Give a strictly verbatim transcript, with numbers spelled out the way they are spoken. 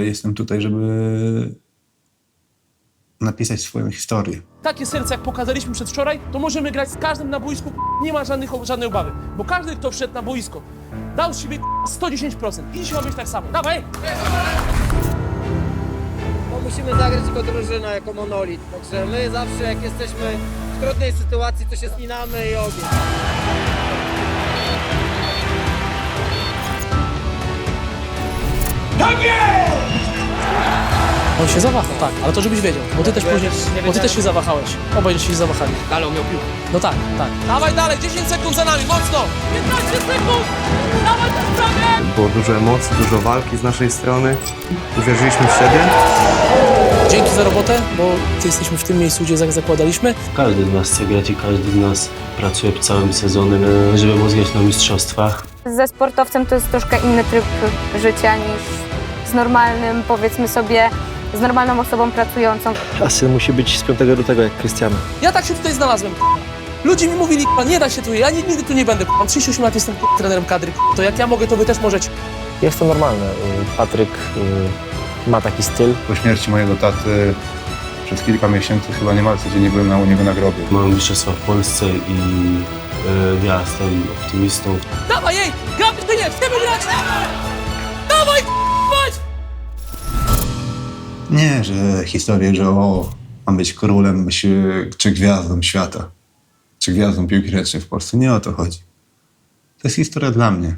jestem tutaj, żeby napisać swoją historię. Takie serce, jak pokazaliśmy przedwczoraj, to możemy grać z każdym na boisku, nie ma żadnych, żadnej obawy. Bo każdy, kto wszedł na boisko, dał z siebie sto dziesięć procent. I dzisiaj ma być tak samo. Dawaj! No, musimy zagrać jako drużyna, jako monolit. Także my zawsze, jak jesteśmy w trudnej sytuacji, to się spinamy i ogień. On się zawahał, tak, ale to żebyś wiedział, bo ty też później, bo ty też się zawahałeś. Obaj się zawahali. Ale on miał piłkę. No tak, tak. Dawaj dalej, dziesięć sekund za nami, mocno! piętnaście sekund! Dawaj to sprawie! Było dużo emocji, dużo walki z naszej strony. Uwierzyliśmy w siebie. Dzięki za robotę, bo jesteśmy w tym miejscu, gdzie zak- zakładaliśmy. Każdy z nas chce grać i każdy z nas pracuje całym sezonem, e, żeby móc grać na mistrzostwach. Ze sportowcem to jest troszkę inny tryb życia niż z normalnym, powiedzmy sobie, z normalną osobą pracującą. A syn musi być z piątego lutego jak Krystiano. Ja tak się tutaj znalazłem. Ludzie mi mówili, nie da się tu, ja nigdy tu nie będę. Mam trzydzieści osiem lat, jestem trenerem kadry. To jak ja mogę, to wy też możecie. Jest to normalne. Patryk y, ma taki styl. Po śmierci mojego taty przez kilka miesięcy chyba niemal codziennie byłem na u niego na grobie. Mamy mistrzostwa w Polsce i e, ja jestem optymistą. Dawaj, jej! Gramy czy nie? Chcemy grać! Dawaj, chodź! Nie, że historię, że o, mam być królem czy, czy gwiazdą świata, czy gwiazdą piłki ręcznej w Polsce. Nie o to chodzi. To jest historia dla mnie.